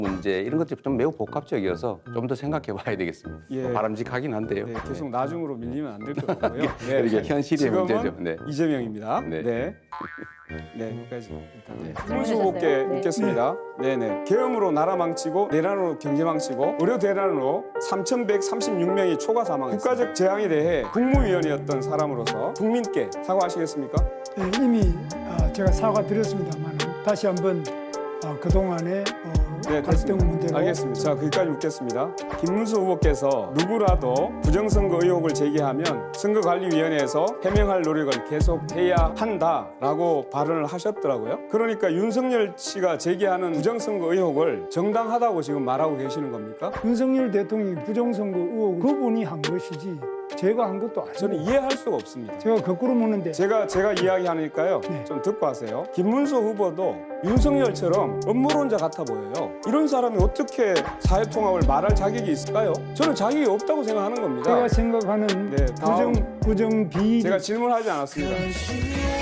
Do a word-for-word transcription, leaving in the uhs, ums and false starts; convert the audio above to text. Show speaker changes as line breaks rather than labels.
문제 이런 것들이 좀 매우 복합적이어서 좀 더 생각해 봐야 되겠습니다.
예.
바람직하긴 한데요.
네, 계속
네.
나중으로 밀리면 안 될 것 같고요.
이게 현실의
지금은
문제죠. 네.
이재명입니다.
네.
네. 네, 여기까지 일단
네.
김문수 후보께
네.
묻겠습니다. 네, 네. 계엄으로 나라 망치고 내란으로 경제 망치고 의료 대란으로 삼천백삼십육 명이 초과 사망했습니다. 국가적 재앙에 대해 국무위원이었던 사람으로서 국민께 사과하시겠습니까?
네, 이미 아, 제가 사과드렸습니다만 다시 한번 아, 그동안의 어,
네,
갈등
됐습니다.
문제로
알겠습니다. 자, 거기까지 묻겠습니다. 김문수 후보께서 누구라도 부정선거 의혹을 제기하면 선거관리위원회에서 해명할 노력을 계속해야 한다라고 발언을 하셨더라고요. 그러니까 윤석열 씨가 제기하는 부정선거 의혹을 정당하다고 지금 말하고 계시는 겁니까?
윤석열 대통령이 부정선거 의혹을 그분이 한 것이지 제가 한 것도 아니고
저는 이해할 수가 없습니다.
제가 거꾸로 묻는데
제가 제가 이야기하니까요.
네.
좀 듣고 하세요. 김문수 후보도 윤석열처럼 음모론자 같아 보여요. 이런 사람이 어떻게 사회통합을 말할 자격이 있을까요? 저는 자격이 없다고 생각하는 겁니다.
제가 생각하는
네, 다음.
부정, 부정 비리
제가 질문하지 않았습니다.